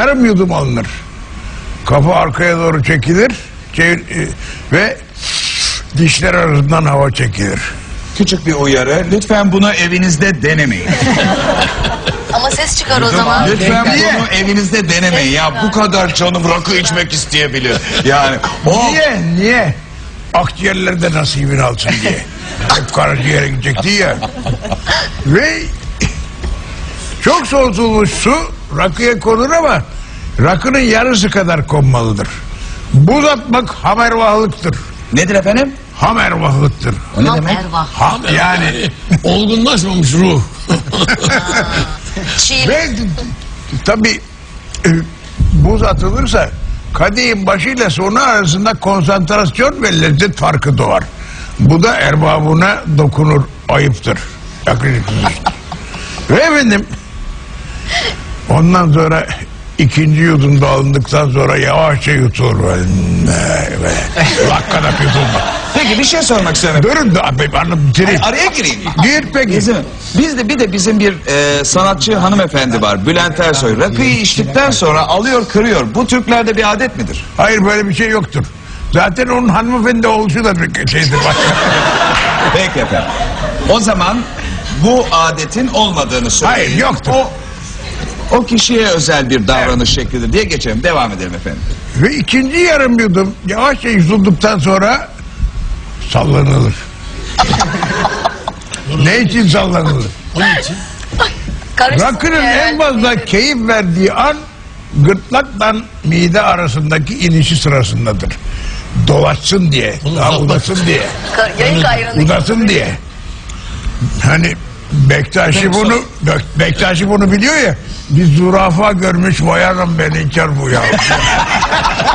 yarım yudum alınır. Kafa arkaya doğru çekilir ve dişler arasından hava çekilir. Küçük bir uyarı. Lütfen bunu evinizde denemeyin. Ama ses çıkar o zaman. Lütfen bunu evinizde denemeyin. Ya bu kadar canım rakı içmek isteyebilir. Yani Niye? Akciğerleri de nasibini alsın diye. Hep karaciğere gidecekti ya. Ve çok soğutulmuş su rakıya konur ama rakının yarısı kadar konmalıdır. Buz atmak hamervahlıktır. nedir efendim? Hamervahlıktır. O ne demek? Ervah. Yani Olgunlaşmamış ruh. Çiğ. ve tabii buz atılırsa kadehin başıyla sonu arasında konsantrasyon ve lezzet farkı doğar. Bu da erbabına dokunur, ayıptır. Ve efendim ondan sonra ikinci yudumda alındıktan sonra yavaşça yutulur. Dakikada yutulma. Peki bir şey sormak istiyorum. Durun da bitireyim. Araya gireyim. Gir peki. Bizim bir sanatçı hanımefendi var. Bülent Ersoy. Rakıyı içtikten sonra alıyor kırıyor. Bu Türklerde bir adet midir? Hayır, böyle bir şey yoktur. Zaten onun hanımefendi oluşu da bir şeydir. Peki efendim. O zaman bu adetin olmadığını söyleyin. Hayır, yoktur. O kişiye özel bir davranış şeklidir diye geçelim. Devam edelim efendim. Ve ikinci yarım yudum yavaşça yutulduktan sonra sallanılır. Ne için sallanılır? Onun için. Rakının en fazla keyif verdiği an gırtlakla mide arasındaki inişi sırasındadır. Dolaşsın diye, daha udasın diye. Yayık ayranı. Udasın diye. Hani Bektaşi bunu biliyor ya. Bir zürafa görmüş, vay anam ben inkar bu ya.